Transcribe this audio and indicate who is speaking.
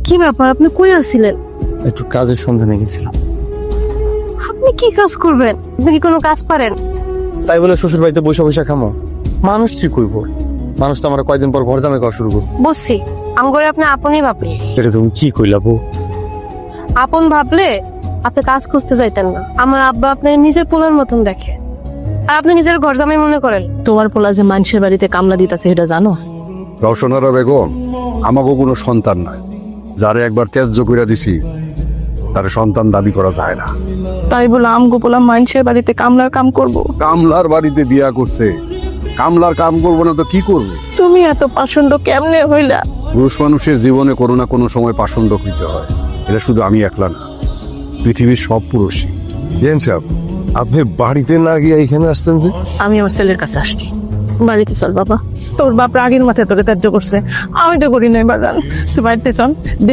Speaker 1: কি ব্যাপার, আপনি কই আছিলেন?
Speaker 2: একটু কাজের সন্ধানে গেছিলাম।
Speaker 1: আপনি কি কাজ করবেন? আপনি কি কোনো কাজ পারেন?
Speaker 2: তাই বলে শ্বশুর বাড়িতে বসে বসে খামো? মানুষ কি করবো? মানুষ তো আমার কয়দিন পর ঘর জামাই খাওয়া শুরু করবো।
Speaker 1: বুঝছি, আমগরে আপনি আপনই ভাবলেন।
Speaker 2: এটা তুমি কি কইলা বউ?
Speaker 1: আপন ভাবলে আপনি কাজ খুঁজতে যাইতেন না। আমার আব্বা আপনার নিজের পোলার মতন দেখে, আর আপনি নিজের ঘর জামাই মনে করেন।
Speaker 3: তোমার পোলা যে মানুষের বাড়িতে কামলা দিতেছে এটা জানো?
Speaker 4: রওশনারা বেগম আমাকে কোনো সন্তান নাই, যারে একবার ত্যায্য করে দিছি তার সন্তান দাবি করা যায় না।
Speaker 3: তাই বলে আমগো পোলা মানুষের বাড়িতে কামলার কাম করব?
Speaker 4: কামলার বাড়িতে বিয়া করছে, কামলার কাম করবো না তো কি করবো?
Speaker 3: তুমি এত পাষণ্ড কেমনে হইলা?
Speaker 4: পুরুষ মানুষের জীবনে কোনো না কোনো সময় পাষণ্ড হইতে হয়। এটা শুধু আমি একলা না, পৃথিবীর সব পুরুষই।
Speaker 5: আপনি বাড়িতে না গিয়ে এখানে আসছেন যে?
Speaker 3: আমি আমার ছেলের কাছে আসছি।
Speaker 1: বাড়িতে চল বাবা।
Speaker 3: তোর বাপ রাগের মাথায় তোরে ত্যায্য করছে, আমি তো করি নাই বাজান। তুই বাড়িতে চল।